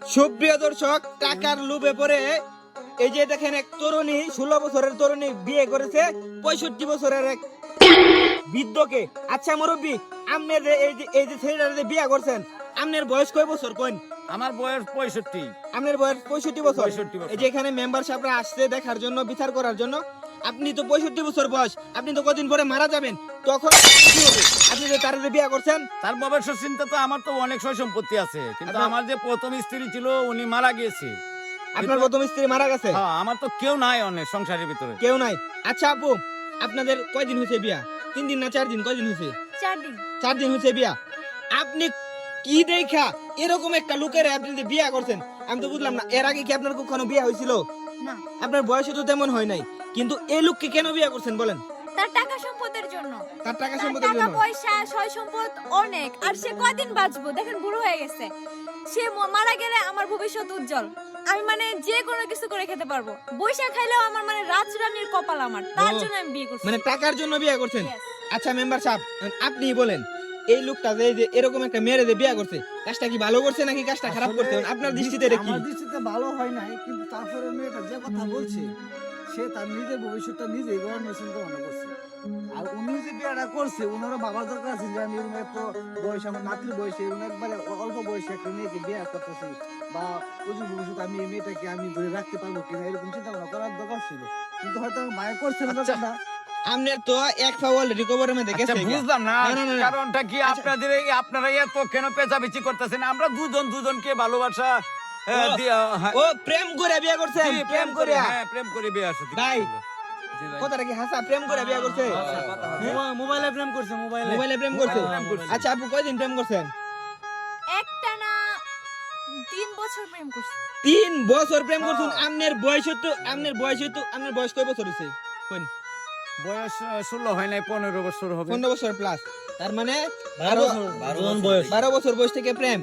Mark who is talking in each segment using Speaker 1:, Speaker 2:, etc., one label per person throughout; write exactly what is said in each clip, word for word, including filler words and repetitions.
Speaker 1: সুপ্রিয় দর্শক, টাকার লোভে পড়ে এই যে দেখেন এক তরুণী ষোলো বছরের তরুণী বিয়ে করেছে পঁয়ষট্টি বছরের এক বৃদ্ধকে। আচ্ছা মুরব্বী, আপনি যে এই যে এই যে ছেলেটাকে বিয়ে করছেন, আপনার বয়স কয় বছর কোন?
Speaker 2: আমার বয়স পঁয়ষট্টি।
Speaker 1: আপনার বয়স পঁয়ষট্টি বছর।
Speaker 2: পঁয়ষট্টি বছর।
Speaker 1: এই যে এখানে মেম্বার সাহেবরা আসছে দেখার জন্য, বিচার করার জন্য। আপনি তো পঁয়ষট্টি বছর বয়স, আপনি তো কদিন পরে মারা যাবেন, তখন কি হবে? আপনি যে তার বিয়ে করছেন,
Speaker 2: তার ভবিষ্যৎ চিন্তা তো আমার তো অনেক সয় সম্পত্তি আছে, কিন্তু
Speaker 1: আপনার-
Speaker 2: আমার যে প্রথম স্ত্রী ছিল উনি মারা গিয়েছে।
Speaker 1: আপনার প্রথম স্ত্রী মারা গেছে।
Speaker 2: হ্যাঁ, আমার তো কেউ নাই অনেক সংসারের ভিতরে।
Speaker 1: কেউ নাই। আচ্ছা আপু, আপনাদের কয়দিন হয়েছে বিয়া? তিন দিন না চার দিন? কয়দিন হয়েছে?
Speaker 3: চার দিন।
Speaker 1: চার দিন হয়েছে বিয়া। আপনি কি দেখা এরকম একটা লোকের আপনি যে বিয়া করছেন? আমি তো বুঝলাম না। এর আগে কি আপনার কখনো বিয়া হয়েছিল?
Speaker 3: না,
Speaker 1: আপনার বয়স তো তেমন হয় নাই, কিন্তু এই লোককে কেন বিয়া করছেন বলেন?
Speaker 3: তার টাকা সম্পদের জন্য।
Speaker 1: তার টাকা
Speaker 3: তার
Speaker 1: সম্পদের
Speaker 3: টাকা
Speaker 1: জন্য।
Speaker 3: পয়সা সয় সম্পদ অনেক, আর সে কয়দিন বাঁচবো? দেখেন বুড়ো হয়ে গেছে। সে ম- মারা গেলে আমার ভবিষ্যৎ উজ্জ্বল। আমি মানে যে কোনো কিছু করে খেতে পারবো। বৈশা খাইলেও আমার মানে রাজরানীর কপাল আমার। তার
Speaker 1: ও,
Speaker 3: জন্য আমি বিয়ে করছি।
Speaker 1: মানে টাকার জন্য বিয়া করছেন?
Speaker 3: Yes.
Speaker 1: আচ্ছা মেম্বার সাহেব, আপনি বলেন, এই লোকটা যে এই যে এরকম একটা মেয়েরে যে বিয়া করছে, কাজটা কি ভালো করছে নাকি কাজটা খারাপ করছে? আপনার দৃষ্টিতে এটা কি?
Speaker 4: আমার দৃষ্টিতে ভালো হয় নাই, কিন্তু তারপরে মেয়েটা যে কথা বলছে, সে তার নিজের ভবিষ্যৎটা নিজেই গড়ানোর চিন্তা ভাবনা করছে। আর উনি যে বিয়েটা করছে, উনারও বাবার দরকার আছে যে আমি উনি এত বয়স, আমার নাতির বয়সে, উনি একবারে অল্প বয়সে একটা মেয়েকে বিয়ে করতেছি, বা প্রচুর ভবিষ্যৎ আমি এই মেয়েটাকে আমি ধরে রাখতে পারবো কিনা, এরকম চিন্তা ভাবনা করার দরকার ছিল। কিন্তু হয়তো আমি মায়া করছিল
Speaker 2: আচ্ছা।
Speaker 4: না।
Speaker 1: আপনার তো এক ফাওয়াল রিকভারের মধ্যে
Speaker 2: আচ্ছা,
Speaker 1: গেছে।
Speaker 2: বুঝলাম না
Speaker 1: না, না, না, না।
Speaker 2: কারণটা কি
Speaker 1: আচ্ছা।
Speaker 2: আপনাদের এই আপনারা এত কেন পেঁচাপেচি করতেছেন? আমরা দুজন দুজনকে ভালোবাসা আহ,
Speaker 1: ও,
Speaker 2: দিয়া, হ্যাঁ,
Speaker 1: ও প্রেম করে বিয়া করছেন?
Speaker 2: জি,
Speaker 1: প্রেম করে?
Speaker 2: হ্যাঁ, প্রেম করে বিয়ে আসছে।
Speaker 1: ভাই,
Speaker 2: জি ভাই।
Speaker 1: কথাটা কি হাসা? প্রেম করে বিয়া করছে? হ্যাঁ?
Speaker 4: মোবাইলে প্রেম করছে, মোবাইলে
Speaker 1: মোবাইলে প্রেম করছে?
Speaker 2: প্রেম করছে।
Speaker 1: আচ্ছা আপু, কয়দিন প্রেম করছেন?
Speaker 3: একটা না তিন বছর প্রেম করছি।
Speaker 1: তিন বছর প্রেম করছেন? আপনার বয়স তো আপনার বয়স তো আপনার বয়স কয় বছর হয়েছে? কোন?
Speaker 2: বয়স আহ, ষোলো হয় নাই, পনেরো বছর হবে।
Speaker 1: পনেরো বছর প্লাস। তার মানে
Speaker 4: বারো
Speaker 1: আরো
Speaker 4: বছর, বারো বছর।
Speaker 1: বারো বছর বয়স থেকে প্রেম।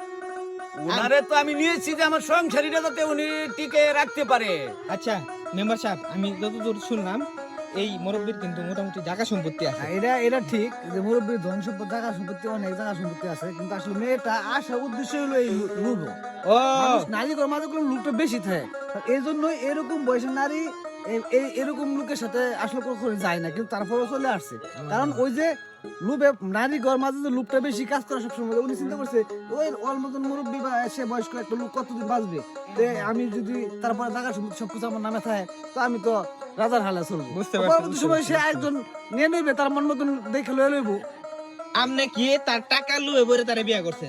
Speaker 2: উনারে তো আমি নিয়েছি যে আমার সংসারীটা যাতে উনি টিকে রাখতে পারে।
Speaker 1: আচ্ছা মেম্বার সাহেব, আমি যতদূর শুনলাম এই মুরব্বীর কিন্তু মোটামুটি জায়গা সম্পত্তি আছে।
Speaker 4: হ্যাঁ, এটা এটা ঠিক যে মুরব্বীর ধন সম্পদ, জায়গা সম্পত্তি, অনেক জায়গা সম্পত্তি আছে, কিন্তু আসলে মেয়েটা আসার উদ্দেশ্য হলো এই লুভ।
Speaker 1: ও,
Speaker 4: নারী মাঝে কোনো লোকটা বেশি থাকে, এই জন্যই এরকম বয়সের নারী এই- এই এরকম লোকের সাথে আসলে কখনো যায় না, কিন্তু তারপরেও চলে আসছে। কারণ ওই যে লুবে নারী ঘর মাঝে যে লুপটা বেশি কাজ করে সবসময়, উনি চিন্তা করছে ওই ওর মতন মুরব্বী বা সে বয়স্ক একটা লোক কতদিন বাঁচবে, তে আমি যদি তারপরে টাকা সম্পত্তি সবকিছু আমার নামে থাকে, তো আমি তো রাজার হালে চলবো।
Speaker 1: বুঝতে পারছি,
Speaker 4: পরবর্তী
Speaker 1: বুঝতে
Speaker 4: সময়
Speaker 1: পারছি,
Speaker 4: সে একজন নিয়ে নেবে, তার মন মতন দেখে লয়ে লইব।
Speaker 1: আপনি কি তার টাকা লুয়ে বলে তারে বিয়া করছেন?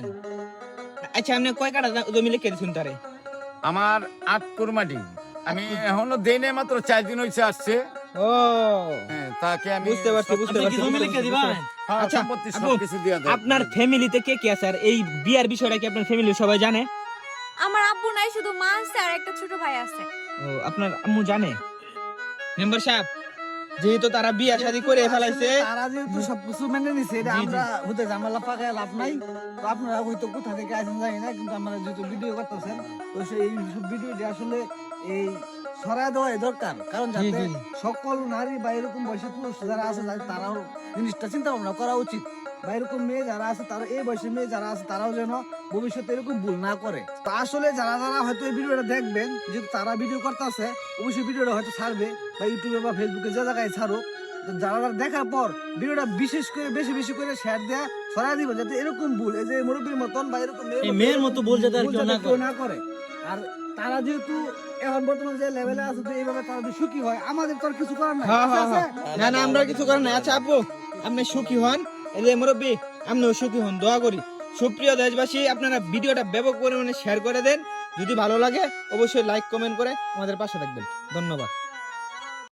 Speaker 1: আচ্ছা আপনি কয় কাটা জমি লিখে দিয়েছেন তারে?
Speaker 2: আমার আট কুরমাটি আমি এখনো দেই নাই, মাত্র চার দিন হয়েছে আসছে।
Speaker 1: ও,
Speaker 2: হ্যাঁ, তাকে আমি
Speaker 1: বুঝতে পারছি, বুঝতে পারছি।
Speaker 4: জমি লিখে দিবেন?
Speaker 2: হ্যাঁ,
Speaker 1: আচ্ছা,
Speaker 2: সম্পত্তি
Speaker 1: আপু,
Speaker 2: সবকিছু দিয়া দেব।
Speaker 1: আপনার ফ্যামিলিতে কে কে আছে? আর এই বিয়ার বিষয়টা কি আপনার ফ্যামিলি সবাই জানে?
Speaker 3: আমার আব্বু নাই, শুধু মা আছে আর একটা ছোট ভাই আছে।
Speaker 1: ও, আপনার আম্মু জানে? মেম্বার সাহেব, যেহেতু তারা বিয়া শাদী করে ফেলাইছে,
Speaker 4: তারা যেহেতু সবকিছু মেনে নিছে, এটা
Speaker 1: জি, জি।
Speaker 4: আমরা হতে ঝামেলা পাকায় লাভ নাই। তো আপনারা হয়তো কোথা থেকে আসেন জানি না, কিন্তু আমরা যেহেতু ভিডিও করতেছেন, তো সেই ভিডিওটি আসলে এই ছড়ায় দেওয়াই দরকার। কারণ
Speaker 1: জি,
Speaker 4: যাতে
Speaker 1: জি।
Speaker 4: সকল নারী বা এরকম বয়সী পুরুষ যারা আছে, যাতে তারাও জিনিসটা চিন্তা ভাবনা করা উচিত, বা এরকম মেয়ে যারা আছে, তারা এই বয়সের মেয়ে যারা আছে, তারাও যেন ভবিষ্যতে এরকম ভুল না করে। তো আসলে যারা যারা হয়তো এই ভিডিওটা দেখবেন, যেহেতু তারা ভিডিও করতেছে, অবশ্যই ভিডিওটা হয়তো ছাড়বে, বা ইউটিউবে বা ফেসবুকে যে জায়গায় ছাড়ুক, তো যারা যারা দেখার পর ভিডিওটা বিশেষ করে বেশি বেশি করে শেয়ার দেয়া ছড়াই দিবেন, যাতে এরকম ভুল এই যে মুরব্বীর মতন বা এরকম
Speaker 5: এই মেয়ের মতো ভুল যাতে আর
Speaker 4: ভুল
Speaker 5: কেউ
Speaker 4: যাতে
Speaker 5: না
Speaker 4: কেউ
Speaker 5: করে।
Speaker 4: না করে। আর তারা যেহেতু এখন বর্তমান যে লেভেলে আছে, তো এইভাবে তারা যদি সুখী হয়, আমাদের তো আর কিছু করার নাই।
Speaker 1: হ্যাঁ,
Speaker 4: আছে,
Speaker 1: হ্যাঁ,
Speaker 4: আছে?
Speaker 1: হ্যাঁ। না না, আমরা কিছু করার নাই। আচ্ছা আপু, আপনি সুখী হন, এই যে মুরব্বী, আপনিও সুখী হন, দোয়া করি। সুপ্রিয় দেশবাসী, আপনারা ভিডিওটা ব্যাপক পরিমাণে শেয়ার করে দেন। যদি ভালো লাগে অবশ্যই লাইক কমেন্ট করে আমাদের পাশে থাকবেন। ধন্যবাদ।